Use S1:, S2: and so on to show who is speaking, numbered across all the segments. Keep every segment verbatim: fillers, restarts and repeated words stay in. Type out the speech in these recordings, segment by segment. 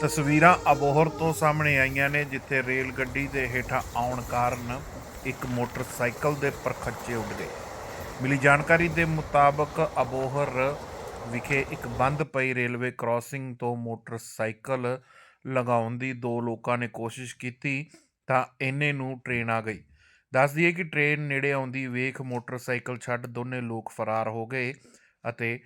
S1: ਤਸਵੀਰਾਂ ਅਬੋਹਰ ਤੋਂ ਸਾਹਮਣੇ ਆਈਆਂ ਨੇ, ਜਿੱਥੇ ਰੇਲ ਗੱਡੀ ਦੇ ਹੇਠਾਂ ਆਉਣ ਕਾਰਨ ਇੱਕ ਮੋਟਰਸਾਈਕਲ ਦੇ ਪਰਖੱਚੇ ਉੱਡ ਗਏ। ਮਿਲੀ ਜਾਣਕਾਰੀ ਦੇ ਮੁਤਾਬਕ ਅਬੋਹਰ ਵਿਖੇ ਇੱਕ ਬੰਦ ਪਈ ਰੇਲਵੇ ਕ੍ਰਾਸਿੰਗ ਤੋਂ ਮੋਟਰਸਾਈਕਲ ਲਗਾਉਣ ਦੀ ਦੋ ਲੋਕਾਂ ਨੇ ਕੋਸ਼ਿਸ਼ ਕੀਤੀ ਤਾਂ ਇੰਨੇ ਨੂੰ ਟ੍ਰੇਨ ਆ ਗਈ। ਦੱਸ ਦਈਏ ਕਿ ਟ੍ਰੇਨ ਨੇੜੇ ਆਉਂਦੀ ਵੇਖ ਮੋਟਰਸਾਈਕਲ ਛੱਡ ਦੋਨੇ ਲੋਕ ਫਰਾਰ ਹੋ ਗਏ ਅਤੇ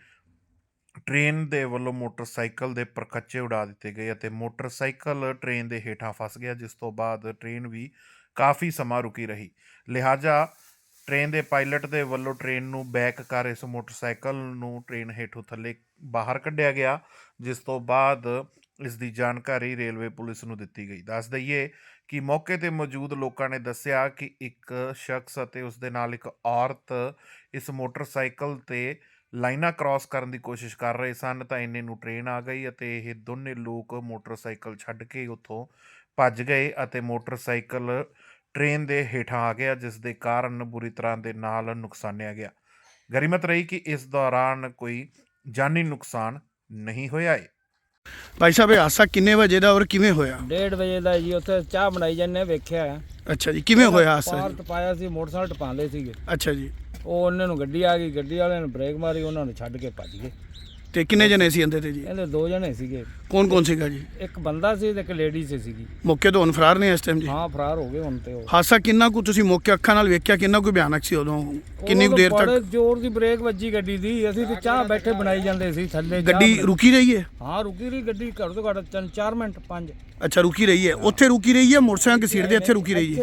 S1: ਟ੍ਰੇਨ ਦੇ ਵੱਲੋਂ ਮੋਟਰਸਾਈਕਲ ਦੇ ਪਰਖੱਚੇ ਉਡਾ ਦਿੱਤੇ ਗਏ ਅਤੇ ਮੋਟਰਸਾਈਕਲ ਟ੍ਰੇਨ ਦੇ ਹੇਠਾਂ ਫਸ ਗਿਆ, ਜਿਸ ਤੋਂ ਬਾਅਦ ਟ੍ਰੇਨ ਵੀ ਕਾਫੀ ਸਮਾਂ ਰੁਕੀ ਰਹੀ। ਲਿਹਾਜ਼ਾ ਟ੍ਰੇਨ ਦੇ ਪਾਇਲਟ ਦੇ ਵੱਲੋਂ ਟ੍ਰੇਨ ਨੂੰ ਬੈਕ ਕਰ ਇਸ ਮੋਟਰਸਾਈਕਲ ਨੂੰ ਟ੍ਰੇਨ ਹੇਠੋਂ ਥੱਲੇ ਬਾਹਰ ਕੱਢਿਆ ਗਿਆ, ਜਿਸ ਤੋਂ ਬਾਅਦ ਇਸ ਦੀ ਜਾਣਕਾਰੀ ਰੇਲਵੇ ਪੁਲਿਸ ਨੂੰ ਦਿੱਤੀ ਗਈ। ਦੱਸ ਦਈਏ ਕਿ ਮੌਕੇ 'ਤੇ ਮੌਜੂਦ ਲੋਕਾਂ ਨੇ ਦੱਸਿਆ ਕਿ ਇੱਕ ਸ਼ਖਸ ਅਤੇ ਉਸ ਦੇ ਨਾਲ ਇੱਕ ਔਰਤ ਇਸ ਮੋਟਰਸਾਈਕਲ 'ਤੇ ਲਾਈਨਾਂ ਕ੍ਰਾਸ ਕਰਨ ਦੀ ਕੋਸ਼ਿਸ਼ ਕਰ ਰਹੇ ਸਨ ਤਾਂ ਇੰਨੇ ਨੂੰ ਟ੍ਰੇਨ ਆ ਗਈ ਅਤੇ ਇਹ ਦੋਨੇ ਲੋਕ ਮੋਟਰਸਾਈਕਲ ਛੱਡ ਕੇ ਉੱਥੋਂ ਭੱਜ ਗਏ ਅਤੇ ਮੋਟਰਸਾਈਕਲ ਟ੍ਰੇਨ ਦੇ ਹੇਠਾਂ ਆ ਗਿਆ, ਜਿਸ ਦੇ ਕਾਰਨ ਬੁਰੀ ਤਰ੍ਹਾਂ ਦੇ ਨਾਲ ਨੁਕਸਾਨਿਆ ਗਿਆ। ਗਰੀਮਤ ਰਹੀ ਕਿ ਇਸ ਦੌਰਾਨ ਕੋਈ ਜਾਨੀ ਨੁਕਸਾਨ ਨਹੀਂ ਹੋਇਆ ਹੈ।
S2: ਭਾਈ ਸਾਹਿਬ, ਇਹ ਹਾਦਸਾ ਕਿੰਨੇ ਵਜੇ ਦਾ ਔਰ ਕਿਵੇਂ ਹੋਇਆ?
S3: ਡੇਢ ਵਜੇ ਦਾ ਜੀ। ਉੱਥੇ ਚਾਹ ਬਣਾਈ ਜਾਂਦੇ ਵੇਖਿਆ ਹੈ।
S2: ਅੱਛਾ ਜੀ, ਕਿਵੇਂ ਹੋਇਆ ਹਾਦਸਾ
S3: ਪਾਰ
S2: ਜੀ?
S3: ਟਪਾਇਆ ਸੀ, ਮੋਟਰਸਾਈਕਲ ਟਪਾਉਂਦੇ ਸੀਗੇ।
S2: ਅੱਛਾ ਜੀ,
S3: ਉਹ ਉਹਨਾਂ ਨੂੰ ਗੱਡੀ ਆ ਗਈ, ਗੱਡੀ ਵਾਲਿਆਂ ਨੇ ਬ੍ਰੇਕ ਮਾਰੀ, ਉਹਨਾਂ ਨੂੰ ਛੱਡ ਕੇ ਭੱਜ ਗਏ।
S2: ਤੇ ਕਿੰਨੇ ਜਣੇ ਸੀ ਅੰਦਰ ਤੇ ਜੀ?
S3: ਇਹਦੇ ਦੋ ਜਣੇ ਸੀਗੇ,
S2: ਕੌਣ ਕੌਣ ਸੀਗਾ ਜੀ?
S3: ਇੱਕ ਬੰਦਾ ਸੀ ਤੇ ਇੱਕ ਲੇਡੀ ਸੀ ਸੀਗੀ।
S2: ਮੌਕੇ ਤੋਂ ਹੁਣ ਫਰਾਰ ਨੇ ਇਸ ਟਾਈਮ ਜੀ?
S3: ਹਾਂ, ਫਰਾਰ ਹੋ ਗਏ ਹੁਣ ਤੇ ਉਹ।
S2: ਹਾਦਸਾ ਕਿੰਨਾ ਕੁ ਤੁਸੀਂ ਮੌਕੇ ਅੱਖਾਂ ਨਾਲ ਵੇਖਿਆ, ਕਿੰਨਾ ਕੁ ਭਿਆਨਕ ਸੀ ਉਦੋਂ? ਕਿੰਨੀ ਕੁ ਦੇਰ
S3: ਬੜੇ
S2: ਤੱਕ
S3: ਜ਼ੋਰ ਦੀ ਬ੍ਰੇਕ ਵੱਜੀ ਗੱਡੀ ਦੀ। ਅਸੀਂ ਤੇ ਚਾਹ ਬੈਠੇ ਬਣਾਈ ਜਾਂਦੇ ਸੀ ਥੱਲੇ। ਚਾਹ
S2: ਗੱਡੀ
S3: ਬਣਾ-
S2: ਰੁਕੀ ਰਹੀ ਹੈ?
S3: ਹਾਂ, ਰੁਕੀ ਰਹੀ ਗੱਡੀ, ਘੱਟ ਤੋਂ ਘੱਟ ਤਿੰਨ ਚਾਰ ਮਿੰਟ ਪੰਜ।
S2: ਅੱਛਾ, ਰੁਕੀ ਰਹੀ ਹੈ। ਉੱਥੇ ਰੁਕੀ ਰਹੀ ਹੈ? ਮੋਟਰਸਾਈਕਲ ਦੀ ਸੀਟ ਦੇ ਇੱਥੇ ਰੁਕੀ ਰਹੀ ਹੈ?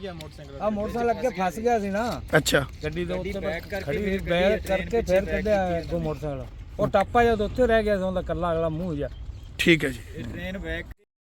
S3: ਆ ਮੋਟਰਸਾਈਕਲ ਅੱਗੇ ਫਸ ਗਿਆ ਸੀ ਨਾ
S2: ਅੱਛਾ,
S3: ਗੱਡੀ ਦੇ ਉੱਤੇ, ਖੜੀ ਸੀ ਬੈਕ ਕਰਕੇ ਫਿਰ ਕੱਢਿਆ ਅੱਗੋਂ ਮੋਟਰਸਾਈਕਲ। ਉਹ ਟਾਪਾ ਜਦ ਉੱਥੇ ਰਹਿ ਗਿਆ ਸੀ, ਉਹਦਾ ਕੱਲਾ ਅਗਲਾ ਮੂੰਹ ਜਿਹਾ।
S2: ਠੀਕ ਹੈ ਜੀ।